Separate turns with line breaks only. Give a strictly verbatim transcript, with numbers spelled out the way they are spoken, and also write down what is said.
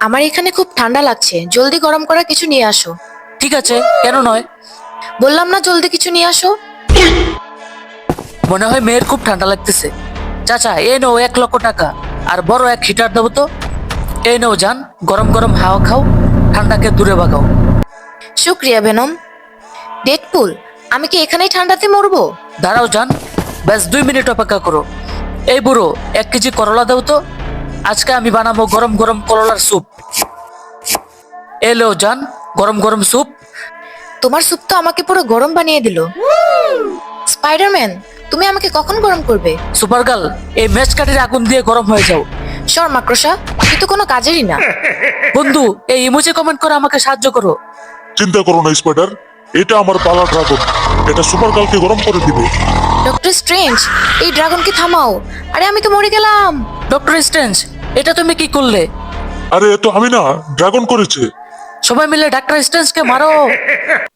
আমার এখানে খুব ঠান্ডা লাগছে, জলদি গরম করা কিছু নিয়ে আসো।
ঠিক আছে, কেন নয়।
বললাম না জলদি কিছু নিয়ে আসো।
মনে হয় মেয়ের খুব ঠান্ডা লাগতেছে। চাচা, এই নাও এক লক্ষ টাকা, আর বড় এক হিটার দেবো তো। এই নাও যান, গরম গরম হাওয়া খাও, ঠান্ডাকে দূরে ভাগাও।
শুক্রিয়া ভেনম। ডেডপুল, আমি কি এখানেই ঠান্ডাতে মরবো?
দাঁড়াও যান, ব্যাস দুই মিনিট অপেক্ষা করো। এই বুড়ো, এক কেজি করলা দাও তো। আজকে আমি বানাবো গরম গরম করলার স্যুপ। এলো যান, গরম গরম স্যুপ।
তোমার স্যুপ তো আমাকে পুরো গরম বানিয়ে দিল। স্পাইডারম্যান, তুমি আমাকে কখন গরম করবে?
সুপার গার্ল, এই ম্যাচ কাঠির আগুন দিয়ে গরম হয়ে যাও।
সর মাকড়সা, তুই তো কোনো কাজেরই না।
বন্ধু, এই ইমোজি কমেন্ট করে আমাকে সাহায্য করো।
চিন্তা করো না স্পাইডার, এটা আমার পালা ড্রাগন। এটা সুপার গার্লকে গরম করে দিবে।
ডক্টর স্ট্রেঞ্জ, এই ড্রাগনকে থামাও। আরে আমি তো মরে গেলাম।
ডক্টর স্ট্রেঞ্জ, এটা তুমি কি করলে?
আরে এ তো আমি না, ড্রাগন করেছে।
সবাই মিলে ডাক্তার স্ট্রেঞ্জকে মারো।